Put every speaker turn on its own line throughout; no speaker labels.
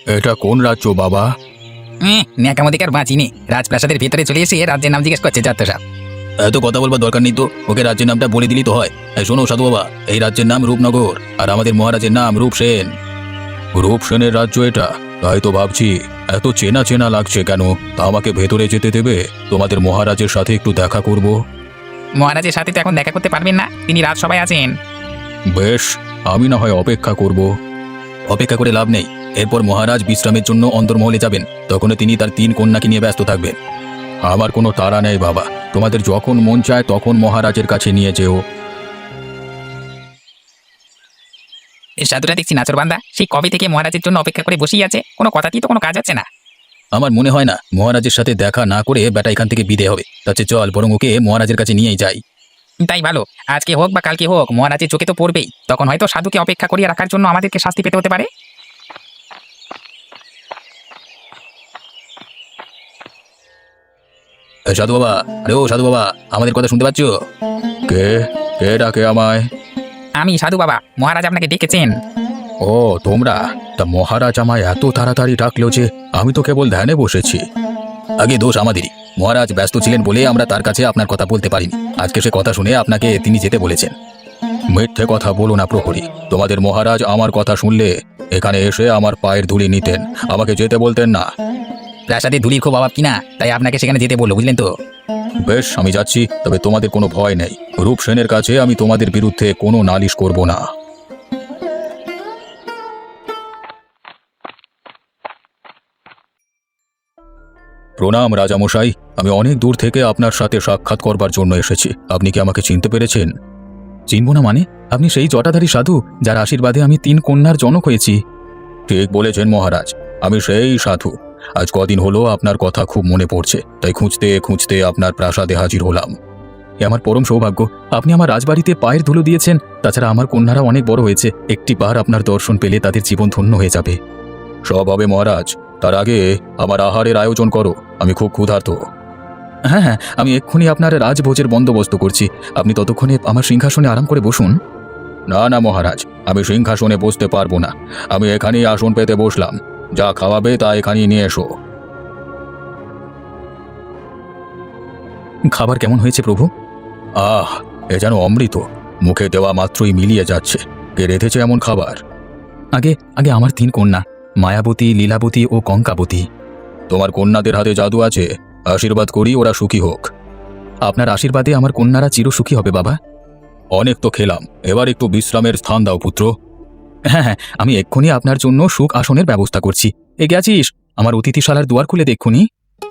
এটা কোন রাজ্য বাবা?
ন্যাকামোদিকার বাঁচিনি, রাজপ্রাসাদের ভেতরে চলে এসে রাজ্যের নাম জিজ্ঞেস করছে যত সব।
এত কথা বলবার দরকার নেই তো, ওকে রাজ্যের নামটা বলে দিলি তো হয়। শোনো সাধু বাবা, এই রাজ্যের নাম রূপনগর, আর আমাদের মহারাজের নাম রূপসেন। রূপসেনের রাজ্য এটা? তাই তো ভাবছি এত চেনা চেনা লাগছে কেন। তা আমাকে ভেতরে যেতে দেবে? তোমাদের মহারাজের সাথে একটু দেখা করব।
মহারাজের সাথে তো এখন দেখা করতে পারবেন না, তিনি রাজসভায় আছেন।
বেশ, আমি না হয় অপেক্ষা করব। অপেক্ষা করে লাভ নেই। এরপর মহারাজ বিশ্রামের জন্য অন্দরমহলে যাবেন, তখন তিনি তার 3 কন্যাকে নিয়ে ব্যস্ত থাকবেন। আমার কোনো তাড়া নেই বাবা, তোমাদের যখন মন চায় তখন মহারাজের কাছে নিয়ে যেও।
এই সাধুটা দেখছি নাচরবান্দা, সেই কবে থেকে মহারাজের জন্য অপেক্ষা করে বসেই আছে, কোনো কথাতেই তো কোনো কাজ হচ্ছে না।
আমার মনে হয় না মহারাজের সাথে দেখা না করে বেটা এখান থেকে বিদে হবে। তাতে চল বরং ওকে মহারাজের কাছে নিয়েই যাই।
তাই ভালো, আজকে হোক বা কালকে হোক মহারাজের চোখে তো পড়বেই, তখন হয়তো সাধুকে অপেক্ষা করিয়ে রাখার জন্য আমাদেরকে শাস্তি পেতে হতে পারে।
সাধু বাবা, আরে ও সাধু বাবা, আমাদের কথা শুনতে পাচ্ছ? কে কে ডাকে আমায়?
আমি সাধু বাবা, মহারাজ আপনাকে ডেকেছেন।
ও তোমরা? তা মহারাজ আমায় এত তাড়াতাড়ি ডাকলো যে আমি তো কেবল ধ্যানে বসেছি। আগে দোষ আমাদেরই, মহারাজ ব্যস্ত ছিলেন বলে আমরা তার কাছে আপনার কথা বলতে পারিনি। আজকে সে কথা শুনে আপনাকে তিনি যেতে বলেছেন। মিথ্যে কথা বলো না প্রহরী, তোমাদের মহারাজ আমার কথা শুনলে এখানে এসে আমার পায়ের ধুলি নিতেন, আমাকে যেতে বলতেন না।
প্রাসাদে ধুলির খুব অভাব কিনা, তাই আপনাকে সেখানে যেতে বললো, বুঝলেন তো।
বেশ, আমি যাচ্ছি, তবে তোমাদের কোনো ভয় নেই। রূপসেনের কাছে আমি তোমাদের বিরুদ্ধে কোনো নালিশ করব না। প্রণাম রাজামশাই, আমি অনেক দূর থেকে আপনার সাথে সাক্ষাৎ করবার জন্য এসেছি। আপনি কি আমাকে চিনতে পেরেছেন? চিনব না মানে? আপনি সেই জটাধারী সাধু যার আশীর্বাদে আমি 3 কন্যার জনক হয়েছি। ঠিক বলেছেন মহারাজ, আমি সেই সাধু। আজ কদিন হলো আপনার কথা খুব মনে পড়ছে, তাই খুঁজতে খুঁজতে আপনার প্রাসাদে হাজির হলাম। এ আমার পরম সৌভাগ্য, আপনি আমার রাজবাড়িতে পায়ের ধুলো দিয়েছেন। তাছাড়া আমার কন্যারা অনেক বড় হয়েছে, একটিবার আপনার দর্শন পেলে তাদের জীবন ধন্য হয়ে যাবে। সব হবে মহারাজ, তার আগে আমার আহারের আয়োজন করো, আমি খুব ক্ষুধার্ত। হ্যাঁ হ্যাঁ, আমি এক্ষুনি আপনার রাজভোজের বন্দোবস্ত করছি, আপনি ততক্ষণে আমার সিংহাসনে আরাম করে বসুন। না না মহারাজ, আমি সিংহাসনে বসতে পারবো না, আমি এখানেই আসন পেতে বসলাম। যা খাওয়াবে তা এখানেই নিয়ে এসো। খাবার কেমন হয়েছে প্রভু? আহ, এ যেন অমৃত, মুখে দেওয়া মাত্রই মিলিয়ে যাচ্ছে। কে রেঁধেছে এমন খাবার? আগে আগে আমার 3 কন্যা, মায়াবতী, লীলাবতী ও কঙ্কাবতী। তোমার কন্যাদের হাতে জাদু আছে, আশীর্বাদ করি ওরা সুখী হোক। আপনার আশীর্বাদে আমার কন্যারা চিরসুখী হবে বাবা। অনেক তো খেলাম, এবার একটু বিশ্রামের স্থান দাও পুত্র। হ্যাঁ হ্যাঁ, আমি এক্ষুনি আপনার জন্য সুখ আসনের ব্যবস্থা করছি। গেছিস? আমার অতিথিশালার দুয়ার খুলে দেখুনি।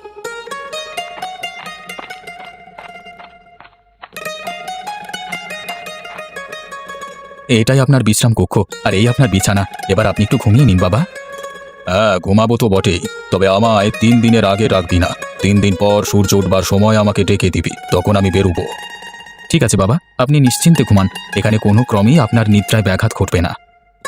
এটাই আপনার বিশ্রাম কক্ষ, আর এই আপনার বিছানা। এবার আপনি একটু ঘুমিয়ে নিন বাবা। হ্যাঁ, ঘুমাবো তো বটেই, তবে আমায় 3 দিনের আগে রাখবি না। 3 দিন পর সূর্য উঠবার সময় আমাকে ডেকে দিবি, তখন আমি বেরোবো। ঠিক আছে বাবা, আপনি নিশ্চিন্তে ঘুমান, এখানে কোনো ক্রমেই আপনার নিদ্রায় ব্যাঘাত ঘটবে না।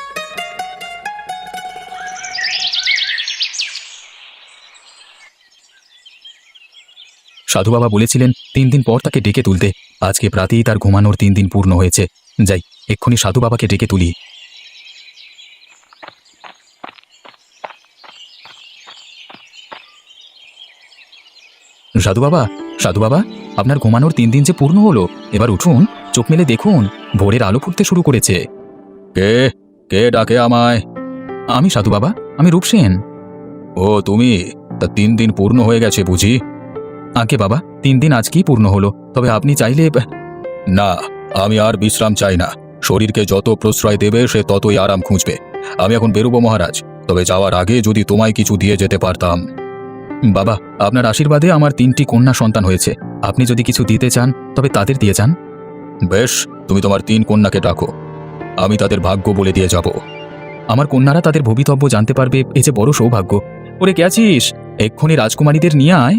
সাধু বাবা বলেছিলেন 3 দিন পর তাকে ডেকে তুলতে। আজকে প্রাতেই তার ঘুমানোর 3 দিন পূর্ণ হয়েছে। যাই, এক্ষুনি সাধু বাবাকে ডেকে তুলি। সাধু বাবা, সাধু বাবা, আপনার ঘুমানোর 3 দিন যে পূর্ণ হলো, এবার উঠুন, চোখ মেলে দেখুন, ভোরের আলো ফুটতে শুরু করেছে। কে কে ডাকে আমায়? আমি সাধু বাবা, আমি রূপসেন। ও তুমি? তা 3 দিন পূর্ণ হয়ে গেছে বুঝি? আগে বাবা, 3 দিন আজকেই পূর্ণ হলো, তবে আপনি চাইলে। না, আমি আর বিশ্রাম চাই না। শরীরকে যত প্রশ্রয় দেবে সে ততই আরাম খুঁজবে। আমি এখন বেরোবো মহারাজ, তবে যাওয়ার আগে যদি তোমায় কিছু দিয়ে যেতে পারতাম। বাবা, আপনার আশীর্বাদে আমার 3টি কন্যা সন্তান হয়েছে, আপনি যদি কিছু দিতে চান তবে তাদের দিয়ে যান। বেশ, তুমি তোমার 3 কন্যাকে ডাকো, আমি তাদের ভাগ্য বলে দিয়ে যাব। আমার কন্যারা তাদের ভবিতব্য জানতে পারবে, এই যে বড় সৌভাগ্য। ওরে কে আছিস? এক্ষুনি রাজকুমারীদের নিয়ে আয়।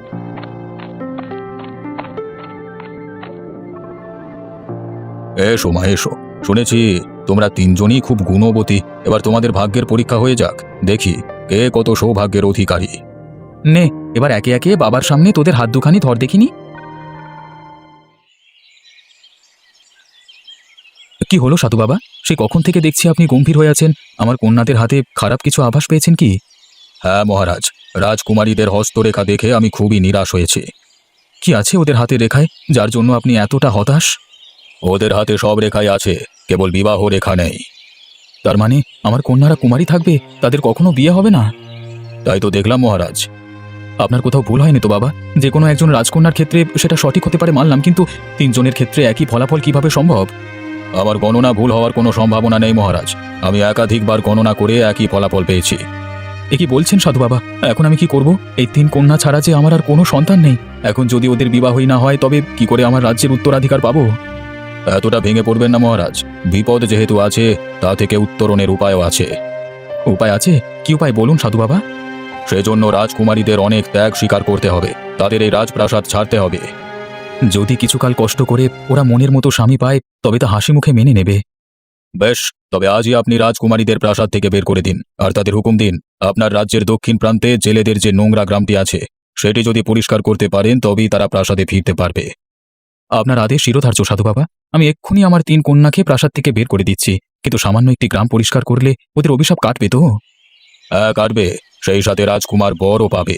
এসো মা এসো, শুনেছি তোমরা 3 জনই খুব গুণবতী। এবার তোমাদের ভাগ্যের পরীক্ষা হয়ে যাক, দেখি কে কত সৌভাগ্যের অধিকারী। নে, এবার একে একে বাবার সামনে তোদের হাত দুখানি ধর দেখিনি। কি হলো সাধু বাবা? সে কখন থেকে দেখছি আপনি গম্ভীর হয়ে আছেন। আমার কন্যাদের হাতে খারাপ কিছু আভাস পেয়েছেন কি? হ্যাঁ মহারাজ, রাজকুমারীদের হস্তরেখা দেখে আমি খুবই নিরাশ হয়েছি। কি আছে ওদের হাতে রেখায় যার জন্য আপনি এতটা হতাশ? ওদের হাতে সব রেখাই আছে, কেবল বিবাহ রেখা নেই। তার মানে আমার কন্যারা কুমারী থাকবে, তাদের কখনো বিয়ে হবে না? তাই তো দেখলাম মহারাজ। আপনার কোথাও ভুল হয়নি তো বাবা? যে কোনো একজন রাজকন্যার ক্ষেত্রে সেটা সঠিক হতে পারে মানলাম, কিন্তু তিনজনের ক্ষেত্রে একই ফলাফল কিভাবে সম্ভব? আমার গণনা ভুল হওয়ার কোনো সম্ভাবনা নেই মহারাজ। আমি একাধিকবার গণনা করে একই ফলাফল পেয়েছি। এ কি বলছেন সাধু বাবা? এখন আমি কি করব? এই তিন কন্যা ছাড়া যে আমার আর কোনো সন্তান নেই। এখন যদি ওদের বিবাহই না হয় তবে কি করে আমার রাজ্যের উত্তরাধিকার পাবো? এতটা ভেঙে পড়বেন না মহারাজ। বিপদ যেহেতু আছে, তা থেকে উত্তরণের উপায়ও আছে। উপায় আছে? কি উপায় বলুন সাধু বাবা। সেজন্য রাজকুমারীদের অনেক ত্যাগ স্বীকার করতে হবে, তাদের এই রাজপ্রাসাদ ছাড়তে হবে। যদি কিছুকাল কষ্ট করে ওরা মনের মতো স্বামী পায় তবে তা হাসি মুখে মেনে নেবে। বেশ, তবে আজই আপনি রাজকুমারীদের প্রাসাদ থেকে বের করে দিন, আর তাদের হুকুম দিন আপনার রাজ্যের দক্ষিণ প্রান্তে জেলেদের যে নোংরা গ্রামটি আছে সেটি যদি পরিষ্কার করতে পারেন তবেই তারা প্রাসাদে ফিরতে পারবে। আপনার আদেশ শিরোধার্য সাধু বাবা। আমি এক্ষুনি আমার তিন কন্যাকে প্রাসাদ থেকে বের করে দিচ্ছি, কিন্তু সামান্য একটি গ্রাম পরিষ্কার করলে ওদের অভিশাপ কাটবে তো? হ্যাঁ কাটবে, সেই সাথে রাজকুমার বরও পাবে।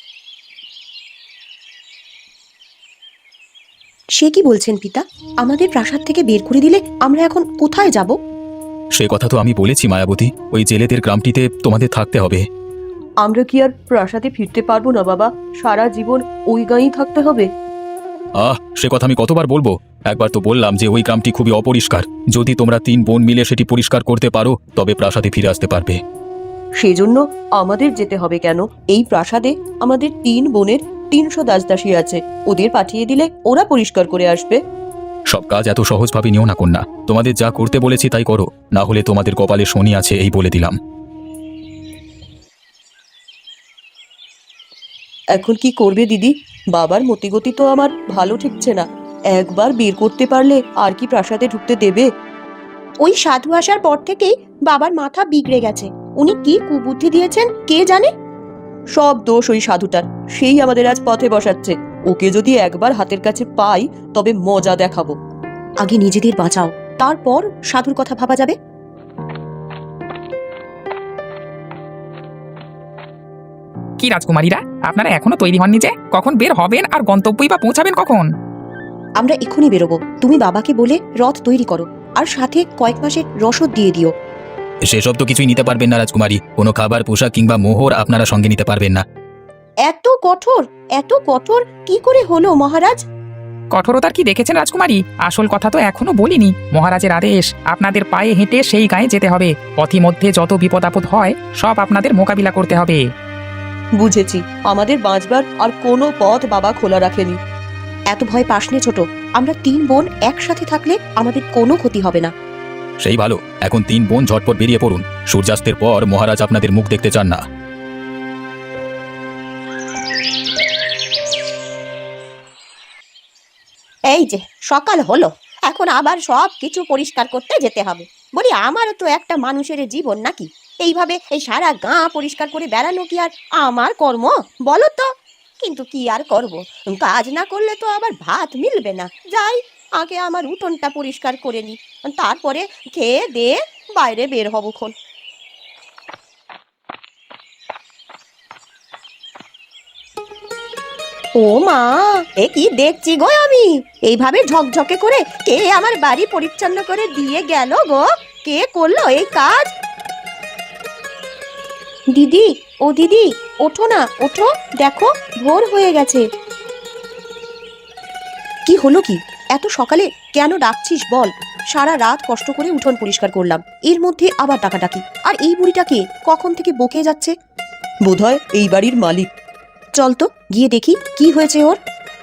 সে কি বলছেন পিতা? আমাদের প্রাসাদ থেকে বের করে দিলে আমরা এখন কোথায় যাব?
সে কথা তো আমি বলেছি মায়াবতী, ওই জেলেদের গ্রামটিতে তোমাদের থাকতে হবে।
আমরা কি আর প্রাসাদে ফিরতে পারবো না বাবা? সারা জীবন ওই গাঁয়েই থাকতে হবে?
সে কথা আমি কতবার বলবো? একবার তো বললাম যে ওই গ্রামটি খুবই অপরিষ্কার। যদি তোমরা তিন বোন মিলে সেটি পরিষ্কার করতে পারো তবে প্রাসাদে ফিরে আসতে পারবে।
সেজন্য আমাদের যেতে হবে কেন? এই প্রাসাদে আমাদের তিন বোনের 300 দাসদাসী আছে, ওদের পাঠিয়ে দিলে ওরা পরিষ্কার করে আসবে।
সব কাজ এত সহজভাবে নিও না কন্যা। তোমাদের যা করতে বলেছি তাই করো, না হলে তোমাদের কপালে শনি আছে এই বলে দিলাম।
এখন কি করবে দিদি? বাবার মতিগতি তো আমার ভালো ঠেকছে না। একবার বের করতে পারলে আর কি প্রাসাদে ঢুকতে দেবে? ওই সাধু আসার পর থেকেই বাবার মাথা বিগড়ে গেছে। উনি কি কুবুদ্ধি দিয়েছেন কে জানে। সব দোষ ওই সাধুটার, সেই আমাদের আজ পথে বসাচ্ছে। ওকে যদি একবার হাতের কাছে পাই তবে মজা দেখাবো। আগে নিজেদের বাঁচাও, তারপর সাধুর কথা ভাবা যাবে।
কি রাজকুমারীরা, আপনারা এখনো তৈরি হননি যে? কখন বের হবেন আর গন্তব্যই বা পৌঁছাবেন কখন?
আমরা এক্ষুনি বেরোবো। তুমি বাবাকে বলে রথ তৈরি করো, আর সাথে কয়েক মাসের রসদ দিয়ে দিও।
সেসব তো কিছুই নিতে পারবেন না রাজকুমারী। কোনো খাবার, পোশাক কিংবা মোহর আপনারা সঙ্গে নিতে পারবেন না।
এত কঠোর, এত কঠোর কি করে হলো মহারাজ?
কঠোরতার কি দেখেছেন রাজকুমারী? আসল কথা তো এখনো বলিনি। মহারাজের আদেশ, আপনাদের পায়ে হেঁটে সেই গায়ে যেতে হবে। পথিমধ্যে যত বিপদ আপদ হয় সব আপনাদের মোকাবিলা করতে হবে।
বুঝেছি, আমাদের বাঁচবার আর কোনো পথ বাবা খোলা রাখেনি। এত ভয় পাস নে ছোট, আমরা তিন বোন একসাথে থাকলে আমাদের কোনো ক্ষতি হবে না।
সেই ভালো, এখন তিন বোন ঝটপট বেরিয়ে পড়ুন। সূর্যাস্তের পর মহারাজ আপনাদের মুখ দেখতে চান না।
এই যে সকাল হলো, এখন আবার সব কিছু পরিষ্কার করতে যেতে হবে। বলি আমারও তো একটা মানুষের জীবন নাকি? এইভাবে এই সারা গাঁ পরিষ্কার করে বেড়ানো কি আর আমার কর্ম বলো তো? কিন্তু কি আর করব, কাজ না করলে তো আবার ভাত মিলবে না। যাই, আগে আমার উঠোনটা পরিষ্কার করে নি, তারপরে খেয়ে দিয়ে বাইরে বের হব খন। ও মা, এ কি দেখছি গো আমি? এইভাবে ঝকঝকে করে কে আমার বাড়ি পরিচ্ছন্ন করে দিয়ে গেল গো? কে করলো এই কাজ?
দিদি, ও দিদি, ওঠো না, ওঠো, দেখো ভোর হয়ে গেছে। কি হলো কি? এত সকালে কেন ডাকছিস বল? সারা রাত কষ্ট করে উঠোন পরিষ্কার করলাম, এর মধ্যে আবার ডাকাডাকি। আর এই বুড়িটাকে কখন থেকে বকে যাচ্ছে। বোধহয় এই বাড়ির মালিক। চল তো গিয়ে দেখি কি হয়েছে ওর।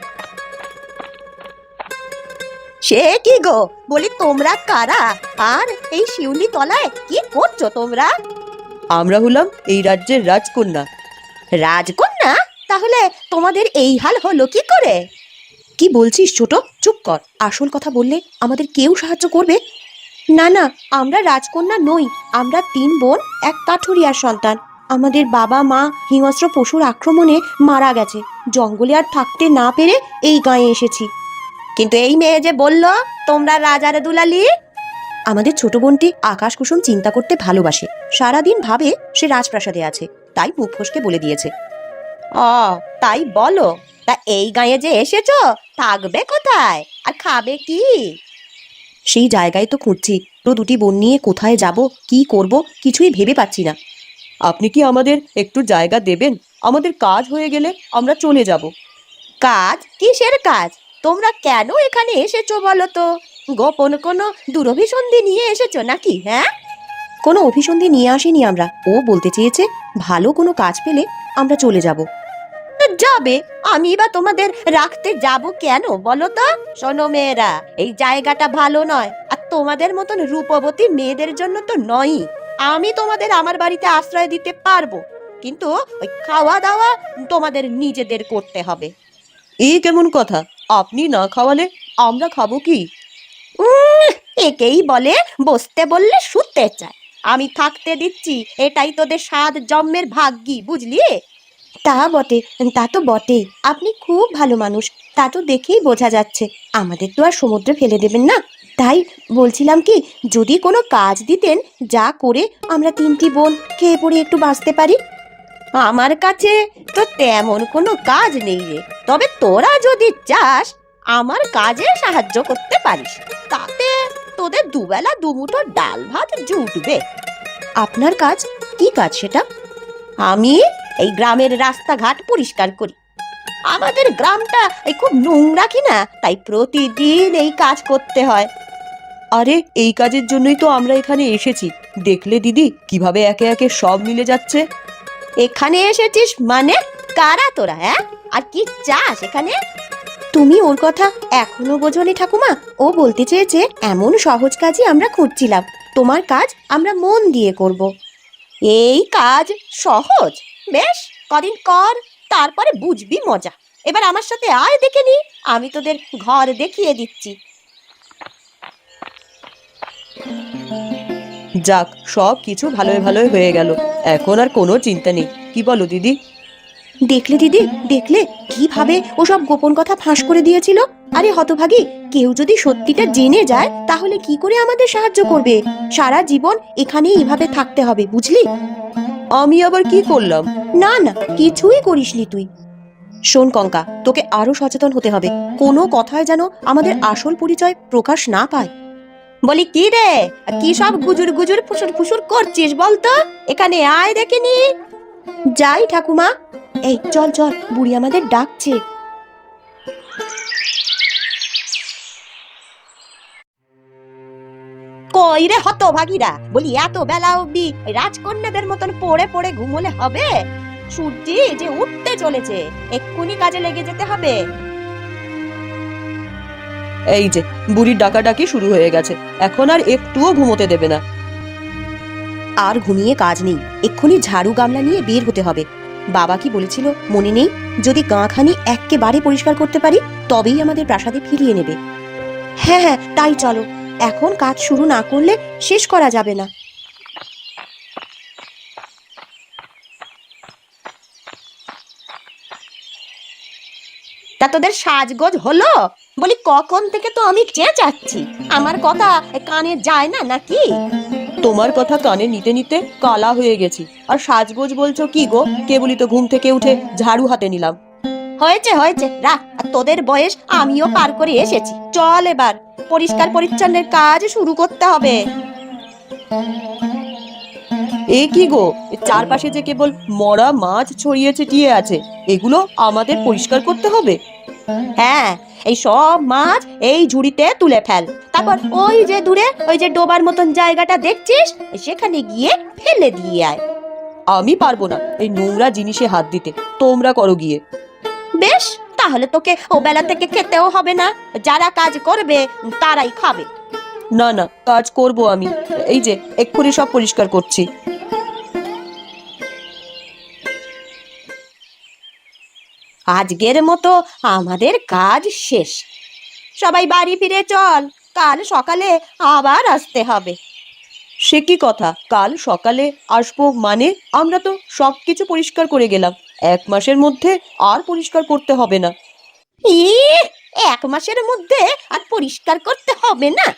সে কি গো, বলি তোমরা কারা? আর এই শিউলি তলায় কি করছো তোমরা?
আমরা হলাম এই রাজ্যের রাজকন্যা।
রাজকন্যা? তাহলে তোমাদের এই হাল হলো কি করে?
কি বলছিস ছোট? চুপ কর, আসল কথা বললে আমাদের কেউ সাহায্য করবে না। না, আমরা রাজকন্যা নই, আমরা তিন বোন এক কাঠুরিয়ার সন্তান। আমাদের বাবা মা হিংস্র পশুর আক্রমণে মারা গেছে। জঙ্গলে আর থাকতে না পেরে এই গাঁয়ে এসেছি।
কিন্তু এই মেয়ে যে বললো তোমরা রাজার দুলালি।
আমাদের ছোট বোনটি আকাশ কুসুম চিন্তা করতে ভালোবাসে। সারাদিন ভাবে সে রাজপ্রাসাদে আছে, তাই মুখ ফসকে বলে দিয়েছে।
ও তাই বলো। তা এই গাঁয়ে যে এসেছো, থাকবে কোথায় আর খাবে কি?
সেই জায়গায় তো খুঁজছি, তো দুটি বোন নিয়ে কোথায় যাব, কি করব, কিছুই ভেবে পাচ্ছি না। আপনি কি আমাদের একটু জায়গা দেবেন? আমাদের কাজ হয়ে গেলে আমরা চলে যাব।
কাজ? কিসের কাজ? তোমরা কেন এখানে এসেছো বলো তো? গোপন কোনো দুরভিসন্ধি নিয়ে এসেছো নাকি? হ্যাঁ,
কোনো অভিসন্ধি নিয়ে আসিনি আমরা। ও বলতে চেয়েছে ভালো কোনো কাজ পেলে আমরা চলে যাব।
যাবে। আমি বা তোমাদের রাখতে যাব কেন বলো তো? শোনো মেয়েরা, এই জায়গাটা ভালো নয়, আর তোমাদের মতন রূপবতী মেয়েদের জন্য তো নয়ই। আমি তোমাদের আমার বাড়িতে আশ্রয় দিতে পারবো, কিন্তু ওই খাওয়া দাওয়া তোমাদের নিজেদের করতে হবে।
এই কেমন কথা? আপনি না খাওয়ালে আমরা খাবো কি?
একেই বলে বসতে বললে শুতে চায়। আমি থাকতে দিচ্ছি, এটাই তোদের 7 জন্মের ভাগ্যি, বুঝলি?
তা বটে, তা তো বটেই। আপনি খুব ভালো মানুষ, তা তো দেখেই বোঝা যাচ্ছে। আমাদের তো আর সমুদ্রে ফেলে দেবেন না। তাই বলছিলাম কি, যদি কোনো কাজ দিতেন, যা করে আমরা 3টি বোন খেয়ে পড়ে একটু বাঁচতে পারি।
আমার কাছে তো তেমন কোনো কাজ নেই রে, তবে তোরা যদি চাস আমার কাজে সাহায্য করতে পারিস, তাতে তোদের দুবেলা দুমুঠো ডাল ভাত জুটবে।
আপনার কাজ? কি কাজ সেটা?
আমি এই গ্রামের রাস্তাঘাট পরিষ্কার করি। আমাদের গ্রামটা এই খুব নোংরা কিনা, তাই প্রতিদিন এই কাজ করতে হয়।
আরে এই কাজের জন্যই তো আমরা এখানে এসেছি। দেখলে দিদি, কিভাবে একে একে সব মিলে যাচ্ছে।
এখানে এসেছিস মানে? কারা তোরা? হ্যাঁ, আর কি চাস এখানে?
তুমি ওর কথা এখনো বোঝনি ঠাকুমা। ও বলতে চেয়েছে এমন সহজ কাজই আমরা খুঁজছিলাম, তোমার কাজ আমরা মন দিয়ে করব।
এই কাজ সহজ? বেশ, কদিন কর, তারপরে বুঝবি মজা। এবার আমার সাথে আয়, দেখে নি, আমি তোদের ঘর দেখিয়ে দিচ্ছি।
যাক, সব কিছু ভালোই ভালোই হয়ে গেল। এখন আর কোনো চিন্তা নেই। কি বলো দিদি? দেখলে দিদি, দেখলে কিভাবে ও সব গোপন কথা ফাঁস করে দিয়েছিল। আরে হতভাগী, কেউ যদি সত্যিটা জেনে যায় তাহলে কি করে আমাদের সাহায্য করবে? সারা জীবন এখানেই এভাবে থাকতে হবে, বুঝলি? আমি আবার কি করলাম? না না, কিছুই করিসনি তুই। শোন কঙ্কা, তোকে আরো সচেতন হতে হবে। কোনো কথায় যেন আমাদের আসল পরিচয় প্রকাশ না পায়।
বলি কি রে, কি সব গুজুর গুজুর ফুসুর ফুসুর করছিস বলতো? এখানে আয়, দেখে নি।
যাই ঠাকুমা। এই চল চল, বুড়ি আমাদের ডাকছে।
কই রে হতভাগীরা, বলি এত বেলা অবধি রাজকন্যাদের মতন পড়ে পড়ে ঘুমোলে হবে? সূর্য যে উঠতে চলেছে, এক্ষুনি কাজে লেগে যেতে হবে।
এই যে বুড়ির ডাকাডাকি শুরু হয়ে গেছে, এখন আর একটুও ঘুমোতে দেবে না। আর ঘুমিয়ে কাজ নেই, এক্ষুনি ঝাড়ু গামলা নিয়ে বের হতে হবে। বাবা কি বলেছিল মনে নেই? যদি গাঁখানি এক্কেবারে পরিষ্কার করতে পারি তবেই আমাদের প্রাসাদে ফিরিয়ে নেবে। হ্যাঁ হ্যাঁ, তাই চলো। এখন কাজ শুরু না করলে শেষ করা যাবে না।
তা তোদের সাজগোজ হলো? বলি কখন থেকে তো আমি চেঁচাচ্ছি, আমার কথা কানে যায় না নাকি?
তোমার কথা কানে নিতে নিতে কালা হয়ে গেছি, আর সাজগোজ বলছো কি গো? কেবলই তো ঘুম থেকে উঠে ঝাড়ু হাতে নিলাম।
হয়েছে হয়েছে, রাখ। আর তোদের বয়স আমিও পার করে এসেছি। চল এবার পরিষ্কার পরিচ্ছন্নের কাজ শুরু করতে হবে।
এ কি গো, চারপাশে যে কেবল মরা মাছ ছড়িয়ে ছিটিয়ে আছে, এগুলো আমাদের পরিষ্কার করতে হবে?
হ্যাঁ, এই সব মাছ এই ঝুড়িতে তুলে ফেল। তারপর ওই যে দূরে ওই যে ডোবার মতন জায়গাটা দেখছিস, সেখানে গিয়ে ফেলে দিয়ে আয়।
আমি পারবো না এই নোংরা জিনিসে হাত দিতে, তোমরা করো গিয়ে।
বেশ, তাহলে তোকে ও বেলা থেকে খেতেও হবে না। যারা কাজ করবে তারাই খাবে।
না না, কাজ করব আমি। এই যে এক্ষুনি সব পরিষ্কার করছি।
আজকের মতো আমাদের কাজ শেষ। সবাই বাড়ি ফিরে চল, কাল সকালে আবার আসতে হবে।
সে কি কথা, কাল সকালে আসবো মানে? আমরা তো সবকিছু পরিষ্কার করে গেলাম। 1 মাসের মধ্যে আর পরিষ্কার করতে হবে না।
ই 1 মাসের মধ্যে আর পরিষ্কার করতে হবে না?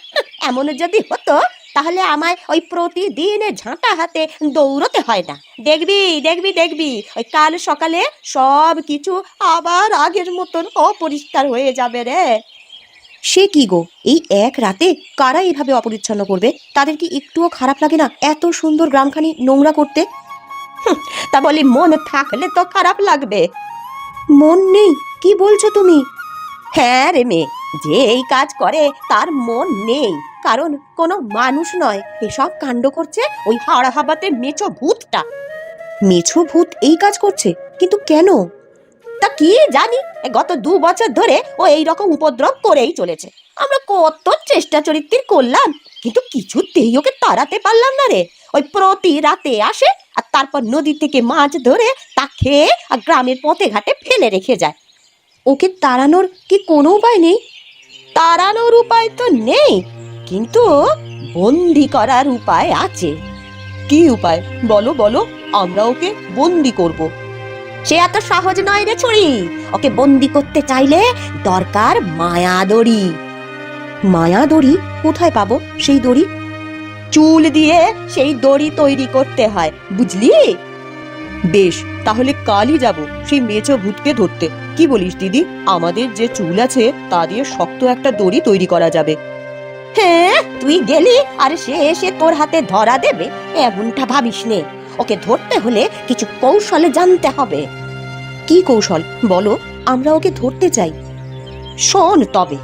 এমন যদি হতো তাহলে আমায় ওই প্রতিদিন ঝাঁটা হাতে দৌড়তে হয় না। দেখবি দেখবি দেখবি ওই কাল সকালে সব কিছু আবার আগের মতন অপরিষ্কার হয়ে যাবে রে।
সে কি গো, এই এক রাতে কারা এইভাবে অপরিচ্ছন্ন করবে? তাদের কি একটুও খারাপ লাগে না এত সুন্দর গ্রামখানি নোংরা করতে?
তা বলি মন থাকলে তো খারাপ লাগবে।
মন নেই? কি বলছো তুমি?
হ্যাঁ রে মেয়ে, যে এই কাজ করে তার মন নেই, কারণ কোনো মানুষ নয়। এসব কাণ্ড করছে ওই হাওড়া হাবাতে মেছো ভূতটা।
মেছো ভূত এই কাজ করছে? কিন্তু কেন?
তা কি জানি, গত 2 বছর ধরে ও এই রকম উপদ্রব করেই চলেছে। আমরা কত চেষ্টা চরিত্র করলাম, কিন্তু কিছুতেই ওকে তাড়াতে পারলাম না রে। ওই প্রতি রাতে আসে আর তারপর নদী থেকে মাছ ধরে তা খেয়ে আর গ্রামের পথে ঘাটে ফেলে রেখে যায়।
ওকে তাড়ানোর কি কোনো উপায় নেই?
তাড়ানোর উপায় তো নেই, কিন্তু বন্দি করার উপায় আছে।
কি উপায় বলো বলো, আমরা ওকে বন্দি করব।
সে এত সহজ নয় রে ছুরি। ওকে বন্দি করতে চাইলে দরকার মায়া দড়ি।
মায়া দড়ি? কোথায় পাবো সেই দড়ি?
চুল দিয়ে সেই দড়ি তৈরি করতে হয়, বুঝলি?
বেশ, তাহলে কালই যাব সেই মেছো ভূতকে ধরতে। কি বলিস দিদি? আমাদের যে চুল আছে তা দিয়ে শক্ত একটা দড়ি তৈরি করা যাবে।
হ্যাঁ, তুই গেলি আর সে এসে তোর হাতে ধরা দেবে এমনটা ভাবিস নে। ওকে ধরতে হলে কিছু কৌশলে জানতে হবে।
কি কৌশল বলো, আমরা ওকে ধরতে চাই।
শোন তবে।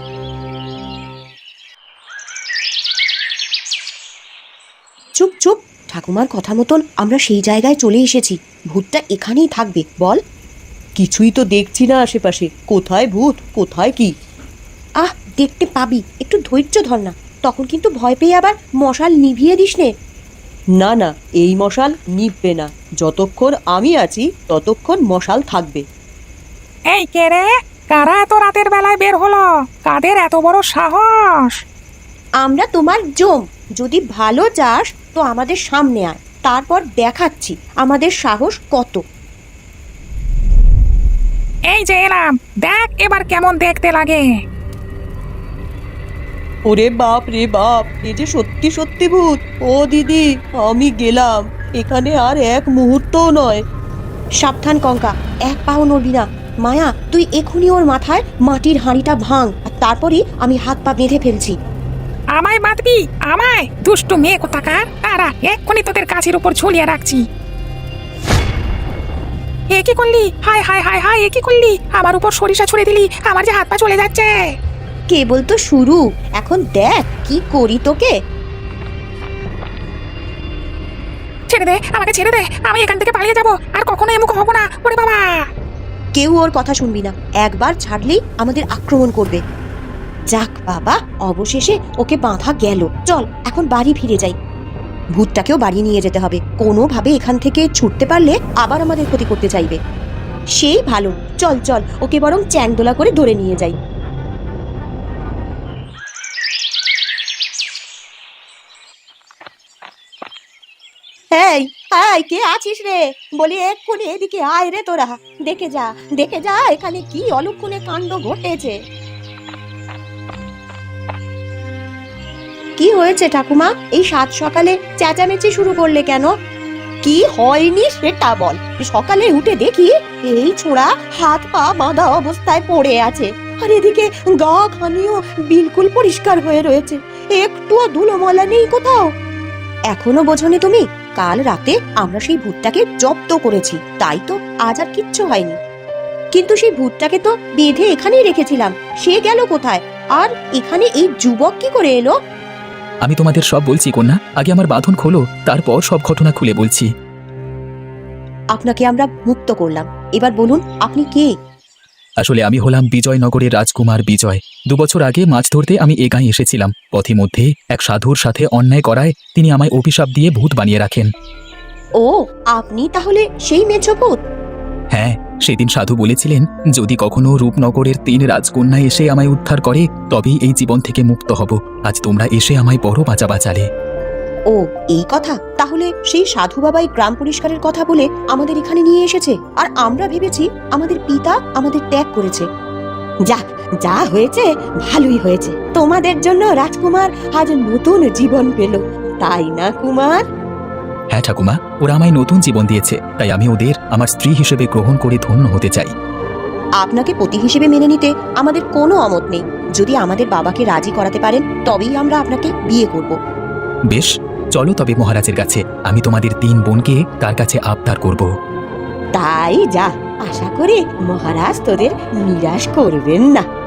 চুপ চুপ, ঠাকুমার কথা মতন আমরা সেই জায়গায় চলে এসেছি। ভূতটা এখানেই থাকবে, বল। কিছুই তো দেখছি না আশেপাশে, কোথায় ভূত কোথায় কি? আহ, দেখতে পাবি, একটু ধৈর্য ধর না। তখন কিন্তু ভয় পেয়ে আবার মশাল নিভিয়ে দিস নে। না না, এই মশাল নিভবে না। যতক্ষণ আমি আছি ততক্ষণ মশাল থাকবে।
এই কে রে? কারা এত রাতের বেলায় বের হলো? কাদের এত বড় সাহস?
আমরা তোমার জম। যদি ভালো চাস তো আমাদের সামনে আয়, তারপর দেখাচ্ছি আমাদের সাহস কত।
এই যে এলাম, দেখ এবার কেমন দেখতে লাগে।
ওরে বাপ রে বাপ, এ যে সত্যি সত্যি ভূত। ও দিদি, আমি গেলাম, এখানে আর এক মুহূর্তও নয়। সাবধান কঙ্কা, এক পাও নড়বি না। মায়া, তুই এখনই ওর মাথায় মাটির হাঁড়িটা ভাঙ, আর তারপরই আমি হাত পা বেঁধে ফেলছি।
আমায় বাঁধবি? আমায়? দুষ্টু মেয়ে কোথাকার! তারা এক্ষুনি তোদের কাছের উপর ঝুলিয়ে রাখছি। এ কি করলি? হায় হায় হায় হায়, এ কি করলি? আমার উপর সরিষা ছুঁড়ে দিলি, আমার যে হাত পা চলে যাচ্ছে।
কেবল তো শুরু, এখন দেখ কি করি তোকে।
ছেড়ে দে, আমাকে ছেড়ে দে, আমি এখান থেকে পালিয়ে যাবো, আর কখনো এমুখ হবো না। ওরে বাবা!
কেউ ওর কথা শুনবি না, একবার ছাড়লেই আমাদের আক্রমণ করবে। যাক বাবা, অবশেষে ওকে বাঁধা গেল। চল এখন বাড়ি ফিরে যাই। ভূতটাকেও বাড়ি নিয়ে যেতে হবে, কোনোভাবে এখান থেকে ছুটতে পারলে আবার আমাদের ক্ষতি করতে চাইবে। সেই ভালো, চল চল, ওকে বরং চ্যাংদোলা করে ধরে নিয়ে যাই।
এই আয়, কে আছিস রে? বলি এক্ষুনি এদিকে আয় রে তোরা। দেখে যা দেখে যা এখানে কি অলক্ষণে কাণ্ড ঘটেছে।
কি হয়েছে ঠাকুমা? এই সাত সকালে চেঁচামেচি শুরু করলে কেন?
কি হয়নি সেটা বল। সকালে উঠে দেখি এই ছোড়া হাত পা বাঁধা অবস্থায় পড়ে আছে, আর এদিকে গা খানিও বিলকুল পরিষ্কার হয়ে রয়েছে, একটুও ধুলোমলা নেই কোথাও।
এখনো বোঝনি তুমি? কাল রাতে আমরা সেই ভূতটাকে জব্দ করেছি, তাই তো আজ আর কিচ্ছু হয়নি। কিন্তু সেই ভূতটাকে তো বেঁধে এখানেই রেখেছিলাম, সে গেল কোথায়? আর এখানে এই যুবক কি করে এলো?
আমি তোমাদের সব বলছি কন্যা, আগে আমার বাঁধন খোলো, তারপর সব ঘটনা খুলে বলছি।
আপনাকে আমরা মুক্ত করলাম, এবার বলুন আপনি কে?
আসলে আমি হলাম বিজয়নগরের রাজকুমার বিজয়। 2 বছর আগে মাছ ধরতে আমি এ গাঁয়ে এসেছিলাম। পথিমধ্যে এক সাধুর সাথে অন্যায় করায় তিনি আমায় অভিশাপ দিয়ে ভূত বানিয়ে রাখেন।
ও, আপনি তাহলে সেই মেছো ভূত?
হ্যাঁ, সেদিন সাধু বলেছিলেন যদি কখনো রূপনগরের 3 রাজকন্যা এসে আমায় উদ্ধার করে তবেই এই জীবন থেকে মুক্ত হব। আজ তোমরা এসে আমায় বড় বাঁচালে।
ও, এই কথা। তাহলে সেই সাধু বাবাই গ্রাম পরিষ্কারের কথা বলে আমাদের এখানে নিয়ে এসেছে, আর আমরা ভেবেছি আমাদের পিতা আমাদের ত্যাগ করেছে।
যাক, যা হয়েছে ভালোই হয়েছে। তোমাদের জন্য রাজকুমার আজ নতুন জীবন পেল, তাই না কুমার?
হ্যাঁ ঠাকুমা, ওরা আমায় নতুন জীবন দিয়েছে, তাই আমি ওদের আমার স্ত্রী হিসেবে গ্রহণ করে ধন্য হতে চাই।
আপনাকে পতি হিসেবে মেনে নিতে আমাদের কোনো অমত নেই। যদি আমাদের বাবাকে রাজি করাতে পারেন তবেই আমরা আপনাকে বিয়ে করব।
বেশ, চলো তবে মহারাজের কাছে। আমি তোমাদের 3 বোনকে তার কাছে আবদার করব।
তাই যা, আশা করি মহারাজ তোদের নিরাশ করবেন না।